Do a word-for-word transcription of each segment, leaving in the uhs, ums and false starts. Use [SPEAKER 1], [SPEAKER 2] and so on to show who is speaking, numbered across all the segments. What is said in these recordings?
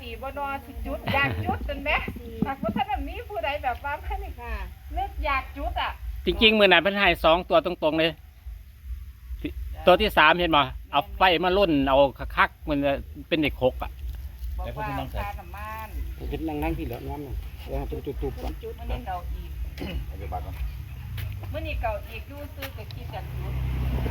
[SPEAKER 1] ดีบ่นอนสิจุดอยากจุดจนไหมหากว่าท่านมีผู้ใดแบบว่าไม่นี่ค่ะนึกอยากจุดอ่ะ
[SPEAKER 2] จริงๆมือนั้นเพิ่นให้สองตัวตรงๆเลยตัวที่สามเห็นบ่เอาไฟมาลุ่นเอาคักๆมันเป็นเด็กหกอ่ะ
[SPEAKER 1] บอกว่าค่าน้ำมัน
[SPEAKER 3] เป็นนั่งนั่งที่เหลือน้ำหนึ่งเดี๋ยวเป็นจุดๆก่อน
[SPEAKER 1] จุดมันนี่เก่าอีก
[SPEAKER 4] เอาไปบัตรก่อน
[SPEAKER 1] เมื่อนี่เก่าอีกดูซื้อกับคิดจากจุด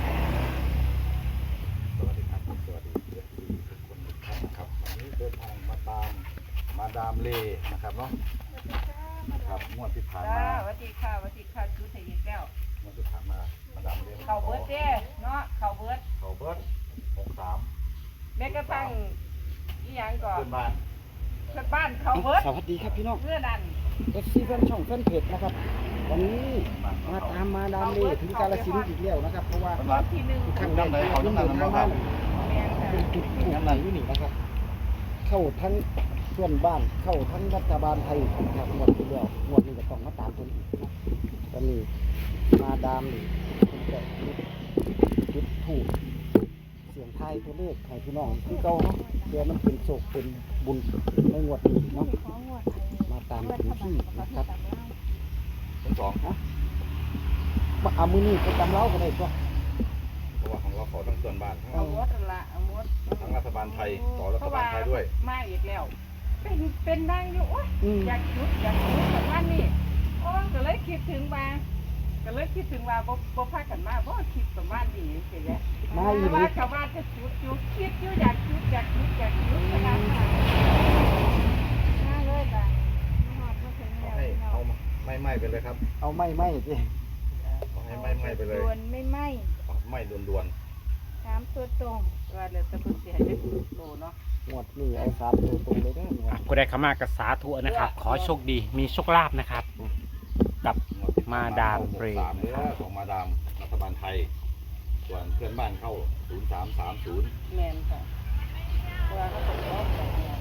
[SPEAKER 4] สวัสดีครับสวัสดีเพื่อนทุกคนทุกท่านนะครับวันนี้เดินทางมาตามมาดามเล่นะครับเนาะครับงวดที่ผ่าน
[SPEAKER 1] จ้า
[SPEAKER 4] มา
[SPEAKER 1] สวัสดีค่ะสวัสดีค่ะจุดใส่ยิงแก้ว
[SPEAKER 4] งวดที่ผ่านมามาดามเล่
[SPEAKER 1] เข่าเบิร์ดเด้เนาะเข่าเบิร์ด
[SPEAKER 4] เขาเบิร์ดหกสาม
[SPEAKER 1] แม้กระทั่งอีหยังก่อน
[SPEAKER 4] เพื่อนบ้าน
[SPEAKER 1] เพื่อนบ้านเข่าเบิร์ด
[SPEAKER 3] สวัสดีครับพี่น้อง
[SPEAKER 1] เพื่อนนั่น
[SPEAKER 3] เอฟซีแฟนช่องแฟนเพจนะครับวันนี้มาตามมาดามเล่ถึงกาฬสินธุ์อีกแล้วนะครับเพราะว่า
[SPEAKER 4] เพื่อนบ้าน
[SPEAKER 1] ที่หนึ่ง
[SPEAKER 3] ข้างในเขาต้องเดินทางมา
[SPEAKER 1] แม่นค่ะ
[SPEAKER 3] เป็นจุดถูกไหนอยู่นี่นะครับ เข้าทั้งเพื่อนบ้านเข้าทั้งรัฐบาลไทยนะครับงวดที่แล้วงวดนี้ก็ต้องมาตามตัวอีกนะตอนนี้มาดามนี่เป็นแบบจุดถูกเสียงไทายตัวเลขให้พี่น้องคือเก่าเนาะเดี๋ยวมันเป็นโศกเป็นบุญในงวดนี้เนาะมาตามถึงที่นะครับ
[SPEAKER 4] ทั้งสอง
[SPEAKER 3] มาเอามือนี่ไปตำเล้ากันได้ตัว
[SPEAKER 4] เพราะว่าของเราขอทั้งเพื่อนบ้านทั้ง
[SPEAKER 1] เอาหมดนั่นละเอาหมด
[SPEAKER 4] ทั้งรัฐบาลไทยต่อรัฐบาลไทยด้วย
[SPEAKER 1] มาอีกแล้ว เป็นเป็นนางอยู่โอ๊ย
[SPEAKER 3] อืม
[SPEAKER 1] อยากจุดอยากจุดแต่ว่านี่โอ้ก็เลยคิดถึงมาก็เลยคิดถึงว่าบ่บ่พากันมาบ่คิดประมาณนี้สิแหละ
[SPEAKER 3] มาอี
[SPEAKER 1] แต่
[SPEAKER 3] ก
[SPEAKER 1] ว่า
[SPEAKER 3] นิด
[SPEAKER 1] ชาวบ้านจะจุดอยู่คิดอยู่อยากจุดอยากจุดอยากจุดขนาดนั้นมาเลยจ้ะฮอดมาถึง
[SPEAKER 4] ขอ
[SPEAKER 1] แล้ว
[SPEAKER 4] ให้
[SPEAKER 1] พี่น้อ
[SPEAKER 4] เอา
[SPEAKER 1] ง
[SPEAKER 4] ไม่ไหม้ไปเลยครับ
[SPEAKER 3] เอาไม่ไม่สิ
[SPEAKER 4] ขอให้ไหม้ไหม้ไปเลย
[SPEAKER 5] ดวนไม่ไหม
[SPEAKER 4] ไหม้ด่วน
[SPEAKER 5] สามตัวตรง
[SPEAKER 1] ว่าแล้วแต่เพิ่นสิให้ได้โลเนาะ
[SPEAKER 3] งวดนี้เอาสามตัวตรงเลยนะงว
[SPEAKER 2] อ่ะ
[SPEAKER 3] ด
[SPEAKER 2] ผู้ใดเข้ามากับสาธุนะครับ ขอโชคดีมีโชคลาภนะครับ กับ
[SPEAKER 4] ๆ
[SPEAKER 2] มาดามเรย์
[SPEAKER 4] สามเนื้อของมาดามรัฐบาลไทย ส่วนเพื่อนบ้านเข้าศูนย์สามสามศูนย์
[SPEAKER 1] แม่นค่ะเพราะว่าเขาต้องรอบแบบนี้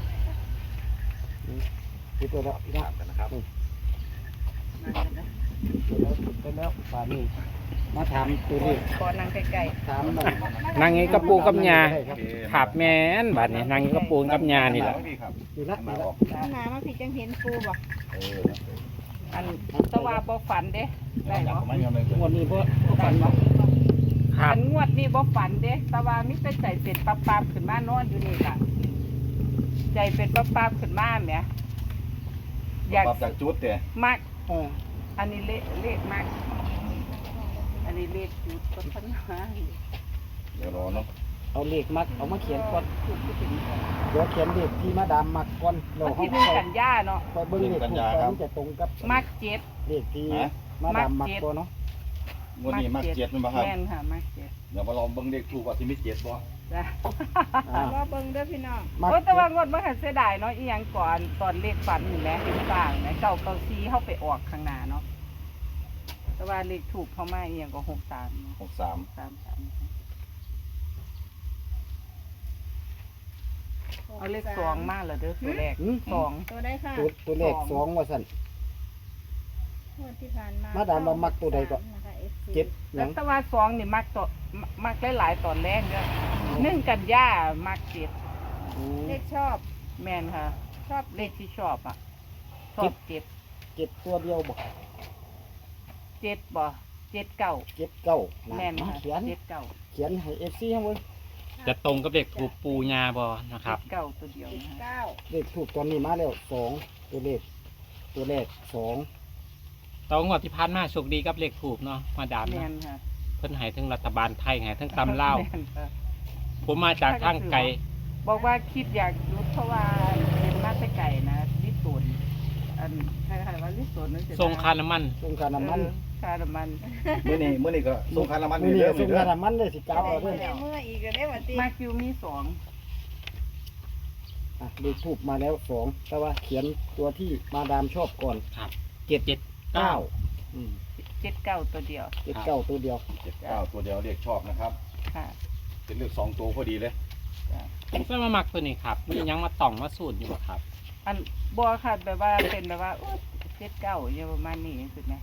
[SPEAKER 3] คิดตัวแล้ว
[SPEAKER 4] ติด
[SPEAKER 3] นะ
[SPEAKER 4] ตามกันนะครับ
[SPEAKER 1] นั่นกันนะ
[SPEAKER 3] คิดแล้วคิดไปแล้วป่านนี้มาถามตัวเลข
[SPEAKER 1] ขอนั่งใกล้
[SPEAKER 3] ถามหน่อย
[SPEAKER 2] นางงี้กระปูกับยา
[SPEAKER 3] ครับ
[SPEAKER 2] ขับแม่นบัดนี้นางงี้กระปูกับยานี่แหละ
[SPEAKER 4] พี่ครับ
[SPEAKER 3] ดีละดี
[SPEAKER 4] มา
[SPEAKER 3] ละ
[SPEAKER 4] ออก
[SPEAKER 5] ข้างหน้ามาพี่จังเห็นปูบอก
[SPEAKER 4] เออ
[SPEAKER 1] ๆอันแตะว่าบ่ฝันเด้ได้เนาะ
[SPEAKER 4] ไม่ยอมเลย
[SPEAKER 3] งวดนี้เพราะฝันว่า
[SPEAKER 2] ครั
[SPEAKER 1] อั
[SPEAKER 2] บ
[SPEAKER 1] นงวดนี้บ่ฝันเด้แตะว่ามีแต่ใจเป็นปั๊บๆขึ้นมานอนอยู่นี่ล่ะใจเป็นปั๊บๆขึ้นมาแหมอยาก
[SPEAKER 4] ปรับจากจุดเดี๋ย
[SPEAKER 1] มัก
[SPEAKER 3] เออ
[SPEAKER 1] อันนี้เลขเลขมักอันนี้เลขจุดก็พันหา
[SPEAKER 4] เดี๋ยวรอเนาะ
[SPEAKER 3] เอาเลขมักเอามาเขียนก่อน
[SPEAKER 1] จุดที่ถึงก่อน
[SPEAKER 3] เดี๋ยวเขียนเลขที่มาดามมักก่อนเรา
[SPEAKER 1] วัน
[SPEAKER 3] เขา
[SPEAKER 1] ที่หนึ่งกันยาเนาะ
[SPEAKER 3] ไปเบิ้งเลขถูกก่อนจะตรงกับ
[SPEAKER 1] มักเจ็ด
[SPEAKER 3] เลขที่มาดามมักตัวเนาะ
[SPEAKER 4] งวดนี้มักเจ็ดมันบ่ครับ
[SPEAKER 1] แม่นค่ะมักเจ็ด
[SPEAKER 4] เดี๋ยวมาลองเบิ่งเลขถูกว่าสิมีเจ็ดบ่
[SPEAKER 1] จ้ะ
[SPEAKER 3] อ่า
[SPEAKER 5] ว่าเบิ่งเด้อพี่น้อง
[SPEAKER 3] มัก
[SPEAKER 1] โอ้ยแต่ว่างวดเมื่อหันเสียดายเนาะอีหยังก่อนตอนเลขฝันนี่แหละเห็นต่างนะเก่าเก่าซีเข้าไปออกข้างหน้าเนาะแต่ว่าเลขถูกเข้ามาอีหยังก็หกสามเนาะ
[SPEAKER 4] หกสาม
[SPEAKER 1] สามสามเอาเลขสองมาเหรอเด้อตัวแรก
[SPEAKER 3] หืม
[SPEAKER 1] สอง
[SPEAKER 5] ตัวได้ค่ะ
[SPEAKER 3] ตัวตัวเลขสองว่าสั่น
[SPEAKER 5] งวดที่ผ่านมา
[SPEAKER 3] มาดามว่ามักตัวใดก่อน
[SPEAKER 5] นะคะ เอฟซี
[SPEAKER 3] เจ็ดห
[SPEAKER 1] แล้
[SPEAKER 3] ยั
[SPEAKER 1] ว
[SPEAKER 3] ง
[SPEAKER 1] แต่ว่าสองนี่มักตัวมักหลายๆตอนแรกเด้อหนึ่งกันยามักเจ็ด
[SPEAKER 3] อืม
[SPEAKER 5] เลขชอบ
[SPEAKER 1] แม่นค่ะ
[SPEAKER 5] ชอบ
[SPEAKER 1] เลขที่ชอบอ่ะชอบเจ็ด
[SPEAKER 3] เจ็ดตัวเดียวบอก
[SPEAKER 1] เจ็ดบ่เจ็ดเก้า
[SPEAKER 3] เจ็ดเก้านะ
[SPEAKER 1] แม่นค่ะ
[SPEAKER 3] เขียน
[SPEAKER 1] เจ็ดเก้า
[SPEAKER 3] เขียนให้เอฟซีให้เว้ย
[SPEAKER 2] จะตรงกับเด็กถูกปูยาบอนะครับ
[SPEAKER 1] เจ็ดเก้าตัวเดียว
[SPEAKER 5] เจ็ด
[SPEAKER 1] นะฮะ
[SPEAKER 5] เก้า
[SPEAKER 3] เลขถูกตอนนี้มาแล้วสองตัวเลขตัวเลขสอง
[SPEAKER 2] ตอนงวดที่ผ่านมาโชคดีกับเลขถูกเนาะมาดาม
[SPEAKER 1] แม่
[SPEAKER 2] เนาะ
[SPEAKER 1] นค่ะ
[SPEAKER 2] เพิ่นให้ทั้งรัฐบาลไทยให้ทั้งตำเล่าว
[SPEAKER 1] แม่นค่ะ
[SPEAKER 2] ผมมาจากทางไกล
[SPEAKER 1] บอกว่าคิดอยากรู้เพราะว่าเป็นมาแต่ไก่นะลิสูนอันใครๆว่าลิสูนนั่นสิ
[SPEAKER 2] ทรงคาน้ำมัน
[SPEAKER 3] ส่งค่าน้ำมัน
[SPEAKER 1] เออค่าน้ำมัน
[SPEAKER 4] มื้อนี้มื้อนี้ก็ส่งค่าน้ำมัน
[SPEAKER 3] นี่
[SPEAKER 4] นี่
[SPEAKER 3] นี่
[SPEAKER 4] เด้อ
[SPEAKER 3] ส่
[SPEAKER 4] มื้
[SPEAKER 3] ง
[SPEAKER 4] อเด้
[SPEAKER 3] ค่า
[SPEAKER 4] อ
[SPEAKER 3] น้ำมันเลยสิก้าวเอา
[SPEAKER 5] เมื่
[SPEAKER 3] เด้อ
[SPEAKER 5] อเมื่ออีกก็ได้วันที่
[SPEAKER 1] มาคิวมีสอง
[SPEAKER 3] อ่ะเลขถูกมาแล้วสองแต่ว่าเขียนตัวที่มาดามชอบก่อน
[SPEAKER 2] ครับ
[SPEAKER 3] เจ็ด
[SPEAKER 2] เจ็ด
[SPEAKER 3] เก้า
[SPEAKER 2] เก้า
[SPEAKER 3] อืม
[SPEAKER 1] เจ็ดเก้าตัวเดียว
[SPEAKER 3] เจ็ดเก้าตัวเดียว
[SPEAKER 4] เจ็ดเก้าตัวเดียวเรียกชอบนะครับ
[SPEAKER 1] ค่ะ
[SPEAKER 4] เป็นเลขสองตัวพอดีเลย
[SPEAKER 2] ผมจะมามักตัวนี้ครับมียังมาต่องมาสูตรอยู่บ่ครับ
[SPEAKER 1] อันบัวค่ะแบบว่าเป็นแบบว่าโอ๊ยเจ็ดเก้าอย่างประมาณนี้สุดไหม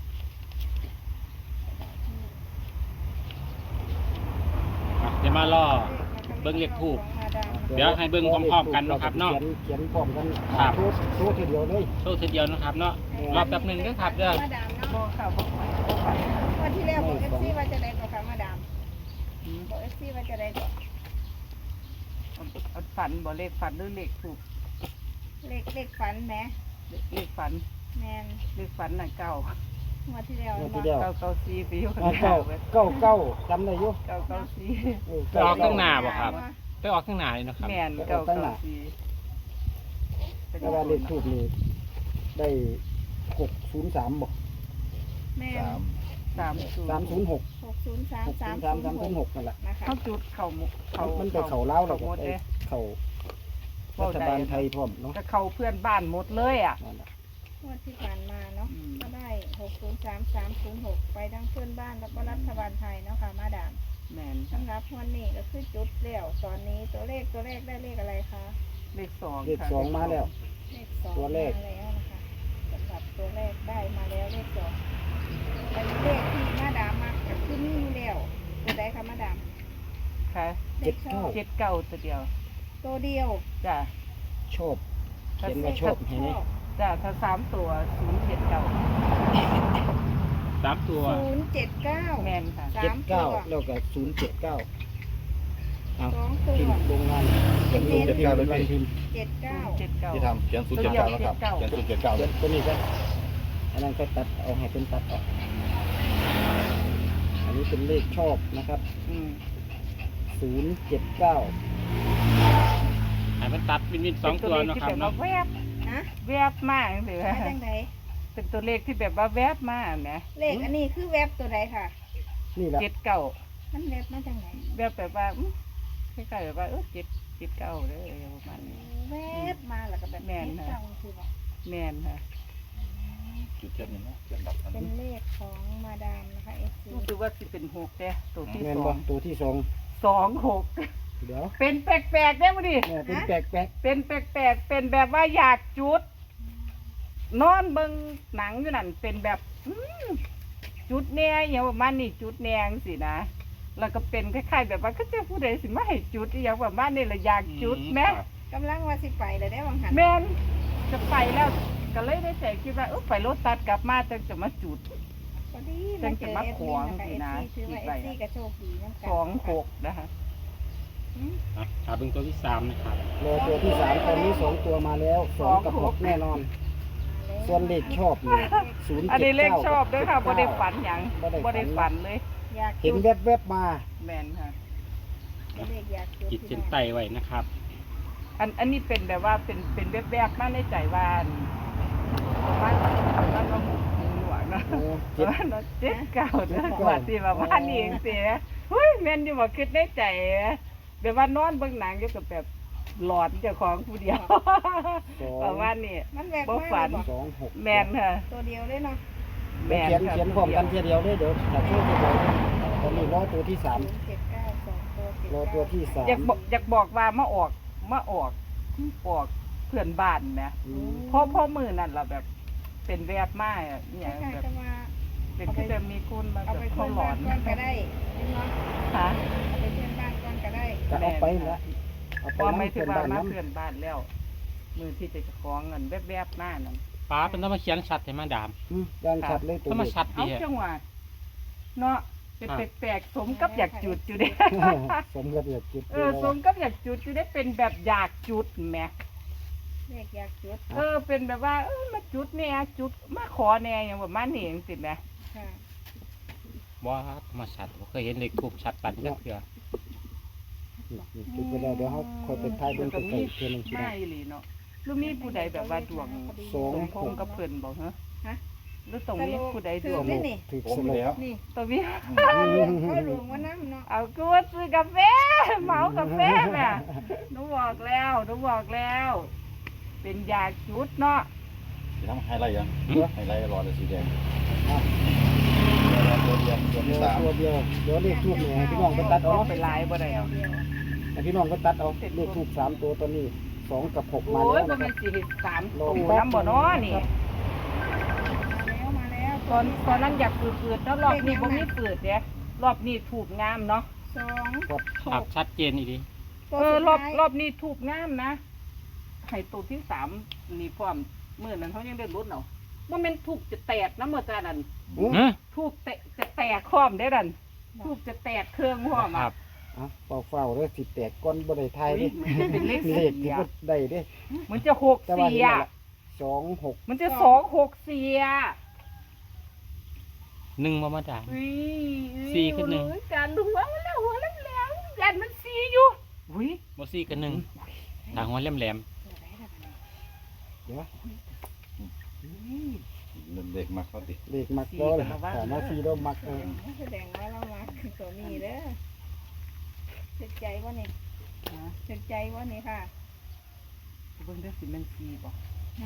[SPEAKER 2] อ่ะเดี๋ยวมาล่อ
[SPEAKER 5] เลข
[SPEAKER 2] บิ่งเลขทูป
[SPEAKER 5] มาดาม
[SPEAKER 2] เดี๋ยวให้เบิ่งพร้อมๆกันเนาะครับเนาะ
[SPEAKER 3] เขียนเขียนพร้อมกัน
[SPEAKER 2] ครับ
[SPEAKER 3] โชว์โชว์ทีเดียวเลย
[SPEAKER 2] โชว์ทีเดียวนะครับเนาะรอแป๊บหนึงเด้อครับเด้อ
[SPEAKER 5] มาดาม
[SPEAKER 1] บ
[SPEAKER 5] เนาะ
[SPEAKER 1] อกค่ะบอกฝันบอกฝัน
[SPEAKER 5] วันที่แล้วบอกเอฟซีว่าจะได้ตัวค่ะมาดามบอกเอฟซีว่าจะได้ตัว
[SPEAKER 1] เอาฝันบอกเลขฝันหรือเลขถูก
[SPEAKER 5] เลขเลขฝันแหม
[SPEAKER 1] เลขฝัน
[SPEAKER 5] แมน
[SPEAKER 1] เลขฝันน่ะเก่า
[SPEAKER 5] วันที่แล้ว
[SPEAKER 3] งวด
[SPEAKER 5] เนาะ
[SPEAKER 3] ที่แล้ว
[SPEAKER 1] เก่าเก่าซีไปอยู่ข้าง
[SPEAKER 3] อ่า
[SPEAKER 1] หน้า
[SPEAKER 3] เก้า
[SPEAKER 1] เว้ย
[SPEAKER 3] เก้าเก้าจำได้อยู่
[SPEAKER 1] เก่าเก่าซี
[SPEAKER 3] เออ
[SPEAKER 2] ไปออกข้างหน้าบ่ครับ ไปออกข้างหน้าเลยเนาะครับ
[SPEAKER 1] แม่นเก่าเก่าซี
[SPEAKER 3] แต่ว่าเลขทูบนี่ได้หกศูนย์สามบ่
[SPEAKER 5] แม่น
[SPEAKER 4] สาม
[SPEAKER 1] สามศูน
[SPEAKER 3] สาม
[SPEAKER 1] ย์
[SPEAKER 3] ศูนย์หก
[SPEAKER 5] หกศูนย์สาม
[SPEAKER 3] หก
[SPEAKER 5] สา
[SPEAKER 3] ศู
[SPEAKER 5] ม
[SPEAKER 3] นย์สามสามศูนย์หกนั่นแหละ
[SPEAKER 5] นะคะ
[SPEAKER 1] เขาจุดเข่าหมุเขา
[SPEAKER 3] มันไปเข่าเล้าวแล้วก็
[SPEAKER 1] หมด
[SPEAKER 3] ไป
[SPEAKER 1] เลย
[SPEAKER 3] เข่ารัฐบาลไทยพร้อมเนาะ
[SPEAKER 1] ก็เขาเพื่อนบ้านหมดเลยอ่ะ
[SPEAKER 3] นั่นแหละ
[SPEAKER 5] งวดที่ผ่านมาเนาะ
[SPEAKER 1] อืม
[SPEAKER 5] ก็ได้หกศูนย์สามสามศูนย์หกไปทั้งเพื่อนบ้านแล้วก็รัฐบาลไทยเนาะค่ะมาดาม
[SPEAKER 1] แม่น
[SPEAKER 5] สำหรับวันนี้ก็คือจุดเดี่ยวตอนนี้ตัวเลขตัวเลขได้เลขอะไรคะ
[SPEAKER 1] เลขสอง
[SPEAKER 3] เลข
[SPEAKER 1] ค่ะ
[SPEAKER 3] สองมาแล้ว
[SPEAKER 5] เลขสอง
[SPEAKER 3] ตัวเลข
[SPEAKER 5] มาแล้วนะคะสำหรับตัวเลขได้มาแล้วเลขสองเป็นเลขที่มาดามมาก็คือมีอยู่แล้วตัวใดคะมาดาม
[SPEAKER 1] ค่ะ
[SPEAKER 5] เลขชอบ
[SPEAKER 1] เจ็ดเก้าตัวเดียว
[SPEAKER 5] ตัวเดียว
[SPEAKER 1] จ้ะ
[SPEAKER 3] ชอบเขียนว่าชอบเห็นไหม
[SPEAKER 1] จ้ะถ้าสามตัวศูนย์เจ็ดเก้า
[SPEAKER 2] สามตัว
[SPEAKER 5] ศูนย์เจ็ดเก้า
[SPEAKER 1] แม่นค่ะ
[SPEAKER 5] สา
[SPEAKER 3] เจ็ด
[SPEAKER 5] มตั
[SPEAKER 3] เก้าว แล้วก็ศูนย์เจ็ดเก้าเอา
[SPEAKER 5] สองตัว
[SPEAKER 3] พิมพ์โรงงาน
[SPEAKER 5] เป็น
[SPEAKER 3] พิมพ์
[SPEAKER 5] เจ็ด
[SPEAKER 3] พิมพ์เป็นวันพิมพ์
[SPEAKER 5] เจ็ดเก้า
[SPEAKER 1] เจ็ดเก้า
[SPEAKER 4] ที่ทำเขียนศูนย์เจ็ดเก้าแล้วครับเขียนศูนย์เจ็ดเก้าเล
[SPEAKER 3] เดี๋ย
[SPEAKER 4] ยว
[SPEAKER 3] ตัวนี้ก็อันนั้นก็ตัดเอาให้เป็นตัดออกอันนี้เป็นเลขชอบนะครับ
[SPEAKER 1] อืม
[SPEAKER 3] ศูนย์เจ็ดเก้า
[SPEAKER 2] ให้มันตัดวินวินสองตัวเนาะครับ
[SPEAKER 1] เป็นตัวเลขที่แบบ
[SPEAKER 2] เนาะ
[SPEAKER 1] ว่าแวบ
[SPEAKER 5] ฮะ
[SPEAKER 1] แวบมากเลย
[SPEAKER 5] มาจังได
[SPEAKER 1] เป็นตัวเลขที่แบบว่าแวบมากนะ
[SPEAKER 5] เลขอันนี้คือเว็บตัวใดค่ะ
[SPEAKER 3] นี่แหละ
[SPEAKER 1] เจ็ดเก้า
[SPEAKER 5] มันเว็บมาจังไหน
[SPEAKER 1] แวบแบบว่าอื้อคล้ายๆแบบว่าเออเจ็ดเจ็ดเก้าเลยประมาณนี้
[SPEAKER 5] เว็บมาแล้วก็แบบ
[SPEAKER 1] แม่น
[SPEAKER 5] เจ็ด
[SPEAKER 1] ค่ะ
[SPEAKER 5] เก้าคือแบบ
[SPEAKER 1] แม่นค่ะ
[SPEAKER 4] จุดเจ็ดนี่นะเขียนดับอัน
[SPEAKER 5] เป็น
[SPEAKER 4] นี้
[SPEAKER 5] เลขของมาดามนะคะเอฟซี
[SPEAKER 1] รู้สึกว่าสิเป็นหกเด้ตัวที่
[SPEAKER 3] แม่น
[SPEAKER 1] ส
[SPEAKER 3] บ่
[SPEAKER 1] อง
[SPEAKER 3] ตัวที่สอง
[SPEAKER 1] สองหก
[SPEAKER 3] เดี๋ยว
[SPEAKER 1] เป็นแปลกๆได้มั้ดิ
[SPEAKER 3] เนี่ยเป็นแปลกแปลก
[SPEAKER 1] เป็นแปลกๆเป็นแบบว่าอยากจุด นอนเบิ่งหนังอยู่นั่นเป็นแบบอืมจุดแหน่อย่างประมาณนี้จุดแหนงสินะแล้วก็เป็นคล้ายๆแบบว่าก็จะผู้ใดสิมาให้จุดอหย่างประมาณนี้ละอยากจุดแม่
[SPEAKER 2] ครับ
[SPEAKER 5] กำลังว่าสิไปเลยได้วังหัน
[SPEAKER 1] แม่นจะไปแล้วก็เลยได้ใจคิดว่าเออไปรถตัดกลับมาจังจะมาจุด
[SPEAKER 5] พอดี
[SPEAKER 1] จั
[SPEAKER 5] มาง เจ
[SPEAKER 1] จะ
[SPEAKER 5] อ
[SPEAKER 1] มา
[SPEAKER 5] เอฟ
[SPEAKER 1] ข
[SPEAKER 5] ซี
[SPEAKER 1] วาง
[SPEAKER 5] นะคะ
[SPEAKER 1] สิ
[SPEAKER 5] เอฟ
[SPEAKER 1] นะ
[SPEAKER 5] ซีถือว่าเอฟซีก็โชคดีน้ำกัน
[SPEAKER 1] สองหกนะคะ
[SPEAKER 5] อืม
[SPEAKER 2] อ่ะหาเบิ่งตัวที่สามนะครับ
[SPEAKER 3] ๆรอตัวที่สามตอนนี้สองตัวมาแล้วสองกับหกแน่นอน ส่วนเลขชอบนี่ศูนย์
[SPEAKER 1] อัน
[SPEAKER 3] เจ็
[SPEAKER 1] นี้
[SPEAKER 3] ด
[SPEAKER 1] เลข
[SPEAKER 3] เก้า
[SPEAKER 1] ชอบด้วยค่ะบ่ได้ฝันหยัง
[SPEAKER 3] บ่ได้
[SPEAKER 1] บ่ได้
[SPEAKER 3] ฝั
[SPEAKER 1] ฝั
[SPEAKER 3] น
[SPEAKER 1] นเลย
[SPEAKER 5] อยาก
[SPEAKER 3] เห็น
[SPEAKER 5] จุด
[SPEAKER 3] แวบๆมา
[SPEAKER 1] แม่นค่ะ
[SPEAKER 5] เป็นเลขอยากจุด
[SPEAKER 2] ขีด
[SPEAKER 5] พี่
[SPEAKER 2] เส้น
[SPEAKER 5] น้อง
[SPEAKER 2] ใต้ไว้นะครับ
[SPEAKER 1] อันอันนี้เป็นแบบว่าเป็นเป็นแวบๆมาในใจว่าอันประมาณประมาณว่าหกหนึ่งหลวงเนาะ
[SPEAKER 3] โอ้
[SPEAKER 1] เจ็
[SPEAKER 3] เจ็ด
[SPEAKER 1] ดเจ็ดเก้า
[SPEAKER 3] เจ็
[SPEAKER 1] เนาะ
[SPEAKER 3] ดเก้า
[SPEAKER 1] ว่าที่ว่าบ้านนี้เองสิเฮ้ยแม่นอยู่บ่คิดในใจแบบว่านอนเบิ่งหนังอยู่กับแบบหลอนเจ้าของผู้เดียว
[SPEAKER 3] สอ
[SPEAKER 1] ประ
[SPEAKER 3] ง
[SPEAKER 1] มาณนี้
[SPEAKER 5] มันแวบ
[SPEAKER 1] บ่
[SPEAKER 5] มาก
[SPEAKER 1] ฝัน
[SPEAKER 5] เลย
[SPEAKER 3] สองหก
[SPEAKER 1] แม่นค่ะ
[SPEAKER 5] ตัวเดียวเลยเนาะ
[SPEAKER 1] แม่น
[SPEAKER 3] เขียน
[SPEAKER 1] ค่ะ
[SPEAKER 3] เขียนพร้อมกันทีเดียวเลยเดี๋ยวถ้าช่วยทีเดียวตอนนี้รอตัวที่สาม
[SPEAKER 5] ศูนย์เจ็ดเก้าสองตัวเจ็ด
[SPEAKER 3] รอ
[SPEAKER 5] เก้า
[SPEAKER 3] ตัวที่สาม
[SPEAKER 1] อยากบอกอยากบอกว่ามาออกมาออกออกเพื่อนบ้านแหม
[SPEAKER 3] อืม
[SPEAKER 1] เพราะพ่อมือนั่นล่ะแบบเป็นแวบมาอ่ะอ
[SPEAKER 5] ค
[SPEAKER 1] หย่าง
[SPEAKER 5] ล้าย
[SPEAKER 1] แบ
[SPEAKER 5] ๆ
[SPEAKER 1] บ
[SPEAKER 5] จะมา
[SPEAKER 1] เป็นคือจะมีคุณมา
[SPEAKER 5] เอา
[SPEAKER 1] แบบ
[SPEAKER 5] ไป
[SPEAKER 1] เขา
[SPEAKER 5] เพื่อน
[SPEAKER 1] หลอ
[SPEAKER 5] บ้าน
[SPEAKER 1] น
[SPEAKER 5] ก่อนก็ได้เนาะ
[SPEAKER 1] ค่ะ
[SPEAKER 5] เอาไปเพื่อนบ้านก่อนก็ได้
[SPEAKER 3] ก็เอาไปแล้วเอาไป
[SPEAKER 1] พอ
[SPEAKER 3] นั่
[SPEAKER 1] ไม่
[SPEAKER 3] ง
[SPEAKER 1] ถึ
[SPEAKER 3] เพื่
[SPEAKER 1] ง
[SPEAKER 3] อน
[SPEAKER 1] ว่า
[SPEAKER 3] บ้าน
[SPEAKER 1] มา
[SPEAKER 3] นั้น
[SPEAKER 1] เพื่อนบ้านแล้ว มือที่จะคล้องเงินแวบๆหน้านั่น
[SPEAKER 2] ป้าเป็นต้องมาเขียนชัดให้มาดาม
[SPEAKER 3] อืมด้านชัดเลยตัว
[SPEAKER 2] ต้องมา
[SPEAKER 3] นี้
[SPEAKER 2] ชัด
[SPEAKER 1] เอา
[SPEAKER 2] ดีอะ
[SPEAKER 1] จังหวะเนาะเป็นแปลกๆสมกับอยากจุดอยู่เด้
[SPEAKER 3] สมกับอยากจุด
[SPEAKER 1] เออสมกับอยากจุดอยู่ได้เป็นแบบอยากจุดแหม
[SPEAKER 5] เลขอยากจุด
[SPEAKER 1] เออเป็นแบบว่าเออมาจุดเนี่ยจุดมาขอเนี่ยอย่างประมาณนี้เองสิแหม
[SPEAKER 5] ค่ะ
[SPEAKER 2] ว่ามาชัดบ่เคยเห็นเลขทูบชัดปันจักเทื่อ
[SPEAKER 3] นี่นี่จุดไปแล้วเดี๋ยวเขาคอยไปถ่ายเบิ่ง
[SPEAKER 1] ก็
[SPEAKER 3] ใกล้
[SPEAKER 1] มี
[SPEAKER 3] ๆเพื่อนหนึงสิ
[SPEAKER 1] ไม่
[SPEAKER 3] ได้
[SPEAKER 1] หลีเนาะหรือมีผู้ใดแบบว่าดวง
[SPEAKER 3] สอง
[SPEAKER 1] สมพงษ์กับเพิ่นบ่ฮะ
[SPEAKER 5] ฮะ
[SPEAKER 1] หรือตรงนี้ผู้ใดด
[SPEAKER 5] ถื
[SPEAKER 1] ว
[SPEAKER 5] อง ได้นี่
[SPEAKER 3] ถือ
[SPEAKER 4] ผม
[SPEAKER 3] ส
[SPEAKER 4] อยู่
[SPEAKER 3] ล
[SPEAKER 4] แล้ว
[SPEAKER 5] นี่
[SPEAKER 1] ตรงนี้
[SPEAKER 5] เอาหลวงเอาหลวงว่าน้ำเนาะ
[SPEAKER 1] เอากูว่าซื้อกาแฟเหมากาแฟแม่หนูบอกแล้วหนูบอกแล้ว เป็นยาจุดเนาะ
[SPEAKER 4] จะทำไฮไลท์ยังไฮไลท์รอเลยสีแดง
[SPEAKER 3] อ่ะ
[SPEAKER 4] ตัวเดียวตัว
[SPEAKER 3] เดี๋
[SPEAKER 4] ที่
[SPEAKER 3] ยว
[SPEAKER 4] สาม
[SPEAKER 3] ตัวเดียวเดี๋ยวเลขทูบเนี่ยให้พี่น้องไปตัดเอา
[SPEAKER 1] ไป
[SPEAKER 3] เนาะ
[SPEAKER 1] หลายบ่ได้
[SPEAKER 5] เดียว
[SPEAKER 1] เนาะ
[SPEAKER 5] เดียว
[SPEAKER 3] ให้พี่น้องไปตัดเอาเลขทูบสามตัวตอนนี้สองกับหกมา
[SPEAKER 1] โอ้ย
[SPEAKER 3] แล้ว
[SPEAKER 1] บ่
[SPEAKER 3] นะค
[SPEAKER 1] แม่
[SPEAKER 3] รับ
[SPEAKER 1] นสิเฮ็ดสามตัวน้ำบ่เนาะนี่
[SPEAKER 5] มาแล้วมาแล้ว
[SPEAKER 1] ตอนตอนนั้นอยากฝืดๆเนาะรอบนี้บ่มีฝืดเด้รอบนี้ถูกงามเนาะ
[SPEAKER 5] สอง
[SPEAKER 3] กด
[SPEAKER 1] ถู
[SPEAKER 2] ครับ
[SPEAKER 1] ก
[SPEAKER 2] ชัดเจนอีดี
[SPEAKER 1] ถ
[SPEAKER 5] ตัว
[SPEAKER 1] เออ
[SPEAKER 5] สุด
[SPEAKER 1] รอบ
[SPEAKER 5] ท้าย
[SPEAKER 1] รอบนี้ถูกงามนะให้ตัวที่สามนี่พร้อมเมื่อนั้นเขายังได้ลุ้นเอาว่ามันถูกจะแตกนะเมื่อจานั้น
[SPEAKER 3] อืม
[SPEAKER 2] ฮะ
[SPEAKER 1] ถูกแตะจะแตกพร้อมได้ดันถูกจะแตกเครื่องพร้อม
[SPEAKER 2] ค
[SPEAKER 1] อ่ะ
[SPEAKER 2] รับ
[SPEAKER 3] อ่ะเฝ้าเฝ้าๆเด้อสิแตกก้อนบ่ได้ทาย
[SPEAKER 1] อุ๊
[SPEAKER 3] เด้
[SPEAKER 1] ยมันจะเป็นเลข
[SPEAKER 3] เลข
[SPEAKER 1] สี่
[SPEAKER 3] ที่
[SPEAKER 1] อ่ะ
[SPEAKER 3] บ่ได้เด้
[SPEAKER 1] มันจะหก
[SPEAKER 3] แต่ว่า
[SPEAKER 1] สี่
[SPEAKER 3] เห็นแล้ว
[SPEAKER 1] อ่ะ
[SPEAKER 3] ล่ะสองหก
[SPEAKER 1] มันจะสองหกสี่อ่ะ
[SPEAKER 2] หนึ่งมามาดาม
[SPEAKER 1] อุ้ย
[SPEAKER 2] สี่ขึ้นหนึ่ง
[SPEAKER 1] โอ้ยจานหัวมันแล้วหัวแหลมๆยันมันสี่อยู่อุ้ย
[SPEAKER 2] บอซี่กันหนึ่งทางหัวแหลม
[SPEAKER 3] เดี๋ยว
[SPEAKER 4] เด็กมาเขาติ
[SPEAKER 3] เลขมักก็เลยถามว่าซีโดมักเออ
[SPEAKER 5] แสดงว่าเรามาตัวนี้เด้อเจ็บใจว่านี่
[SPEAKER 1] นะ
[SPEAKER 5] เจ็บใจว่านี่ค่ะ
[SPEAKER 1] เบิ่งได้สิมันสี่บ่
[SPEAKER 5] นะ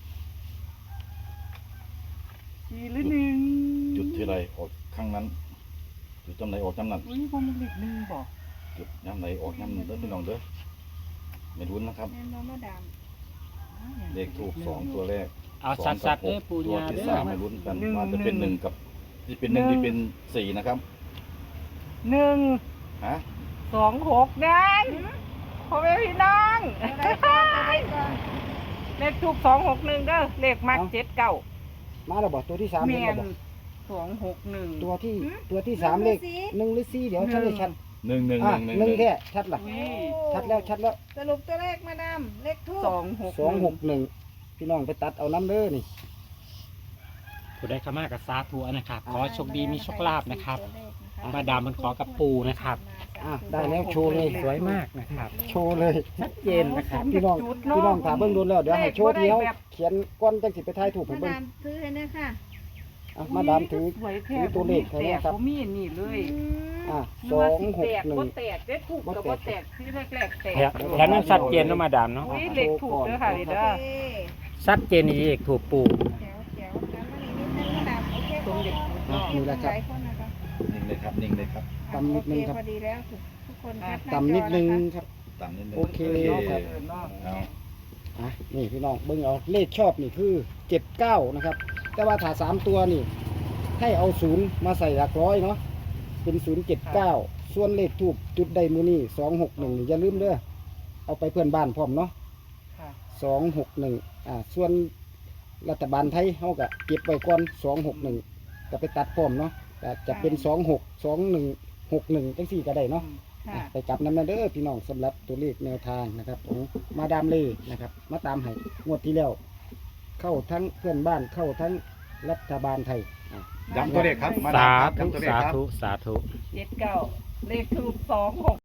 [SPEAKER 1] สี่หรือหนึ่ง
[SPEAKER 4] จุดที่ไรออกข้างนั้น จุดจำไหนออกจำนั้น
[SPEAKER 1] อุ้ยบ่มันเลขหนึ่งบ่
[SPEAKER 4] จุดย้ำไหนออกย้ำนั้นเด้อพี่น้องเด้อไม่รุ้นนะครับ
[SPEAKER 5] แม่นบ่มาดาม
[SPEAKER 4] เลขถูกสองตัวแรก
[SPEAKER 2] ๆเอา
[SPEAKER 4] สอง
[SPEAKER 2] สั
[SPEAKER 4] กั
[SPEAKER 2] ด
[SPEAKER 4] บ
[SPEAKER 2] ๆ
[SPEAKER 4] ห
[SPEAKER 2] เด้อก ปู
[SPEAKER 4] ตัว
[SPEAKER 2] ญา
[SPEAKER 4] ที่
[SPEAKER 2] เด้อ
[SPEAKER 4] สามไม่รุ้นกันว่าจะเป็นหนึ่งกับที่เป็นหนึ่งที่เป็นสี่นะครับ
[SPEAKER 1] หนึ่ง
[SPEAKER 4] ฮะ
[SPEAKER 1] สองหกนั่นพ่อแม่พี่น้อง
[SPEAKER 5] ตัวได้ก่อนตัวได้ก่อน
[SPEAKER 1] เลขถูกสองหกหนึ่งเด้อเลขมักเจ็ดเก้า
[SPEAKER 3] มาแล้วบ่ตัวที่สาม
[SPEAKER 1] เมี
[SPEAKER 3] เห็น
[SPEAKER 1] ย
[SPEAKER 3] แล้ว
[SPEAKER 1] น
[SPEAKER 3] บ่
[SPEAKER 1] สองหกหนึ่ง
[SPEAKER 3] ตัวที่ตัวที่สามเลขหนึ่งหรือสี่เดี๋ยวชัดเลยชัด
[SPEAKER 4] หนึ่งหนึ่ง
[SPEAKER 3] อ่ะ
[SPEAKER 4] หนึ่งห
[SPEAKER 3] ห
[SPEAKER 4] นึ่
[SPEAKER 3] นึ่
[SPEAKER 4] ง
[SPEAKER 3] งแท้ชัดล่ะ
[SPEAKER 1] อุ้ย
[SPEAKER 3] ชัดแล้วชัดแล้ว
[SPEAKER 5] สรุปตัวเลขมาดามเลขทูบ
[SPEAKER 1] สองหก
[SPEAKER 3] สองหกหนึ่งพี่น้องไปตัดเอาน้ำเด้อนี่
[SPEAKER 2] ผู้ได้เข้ามากับสาธุนะครับ ขอโชคดีมีโชคลาภนะครับ
[SPEAKER 5] ตัวเลขนะคะ
[SPEAKER 2] มาดามมันขอกับปูนะครับ
[SPEAKER 3] อ่ะได้แล้วโชว์เลย
[SPEAKER 2] สวยมากนะครับ
[SPEAKER 3] โชว์เลย
[SPEAKER 2] ชัดเจนนะครับ
[SPEAKER 3] พี่น้องพี่น้องถามเบิ่งดูแล้วเดี๋ยวให้โชว์เดียวเขียนก้อนจังสิไปทายถูกให้
[SPEAKER 5] มา
[SPEAKER 3] เบิ่ง
[SPEAKER 5] ดามซื้อให้เนี่ยค่ะ
[SPEAKER 3] อ่ะมาดามถือ
[SPEAKER 1] สวยแท้
[SPEAKER 3] ถือตัวเลขให้
[SPEAKER 1] แต
[SPEAKER 3] นะ
[SPEAKER 1] ก
[SPEAKER 3] ครับ
[SPEAKER 1] บ่มีอันนี่เลย
[SPEAKER 5] อืม
[SPEAKER 3] อ่ะ
[SPEAKER 1] นึ
[SPEAKER 3] ส
[SPEAKER 1] ว่า
[SPEAKER 3] อง
[SPEAKER 1] สิ
[SPEAKER 3] หก
[SPEAKER 1] แตก
[SPEAKER 3] หนึ่ง
[SPEAKER 1] บ่แตกได้ถูกกับบ่แตกที่แรกๆแตก
[SPEAKER 2] แถวนั้นชัดเจนเนาะมาดามเนาะ
[SPEAKER 1] อุ้ยเลขถูกเด้อค่ะนี่
[SPEAKER 5] โอ
[SPEAKER 1] เด้อ
[SPEAKER 5] เค
[SPEAKER 2] ชัดเจนนี่เลขถูกปู
[SPEAKER 5] แจ๋วแจ๋วจำมานี่นิดนึงมาดามโอเค
[SPEAKER 1] ตรงเด็กถูก
[SPEAKER 3] อ่ะ
[SPEAKER 1] เนาะ
[SPEAKER 3] นี่แหละครับ
[SPEAKER 5] หลายคนนะคะ
[SPEAKER 4] นิ่งเลยครับนิ่งเลยครับ
[SPEAKER 3] ตำนิดนึงครับ
[SPEAKER 5] โอเพอดีแล้วทุกทุกคนแคปหา
[SPEAKER 3] ต่ำนิดนึง
[SPEAKER 5] จอะคะ
[SPEAKER 3] ครับ
[SPEAKER 4] ต่ำนิดนึง
[SPEAKER 3] โอเค
[SPEAKER 4] โอ
[SPEAKER 3] ครับ
[SPEAKER 4] เอา
[SPEAKER 3] อ่ะนี่พี่น้องเบิ่งเอาเลขชอบนี่คือเจ็ดเก้านะครับ แต่ว่าถ้าสามตัวนี่ ให้เอาศูนย์มาใส่หลักร้อยเนาะเป็นศูนย์เจ็ดเก้าส่วนเลขทูบจุดใดมือนี่สองหกหนึ่งอย่าลืมเด้อเอาไปเพื่อนบ้านพร้อมเนาะ
[SPEAKER 1] ค่ะ
[SPEAKER 3] สองหกหนึ่งอ่าส่วนรัฐบาลไทยเขาก็เก็บไว้ก่อนสองหกหนึ่งก็ไปตัดพร้อมเนาะแต่จะเป็นสองหกสองหนึ่งหกหนึ่งจังสี่ก็ได้เนาะ
[SPEAKER 5] ค่ะ
[SPEAKER 3] ไปกลับน้ำมาเด้อพี่น้องสำหรับตัวเลขแนวทางนะครับของมาดามเล่นะครับ มาตามให้งวดที่แล้ว เข้าทั้งเพื่อนบ้านเข้าทั้งรัฐบาลไทยอ่ะ
[SPEAKER 4] ย้ำตัวเลขครับมา
[SPEAKER 2] สา
[SPEAKER 4] ดามครับ
[SPEAKER 2] ธุ
[SPEAKER 4] ย้ำตัวเลข
[SPEAKER 2] สา
[SPEAKER 4] ครับ
[SPEAKER 2] ธุสาธุ
[SPEAKER 1] เจ็ดเก้าเลขถูกสองหก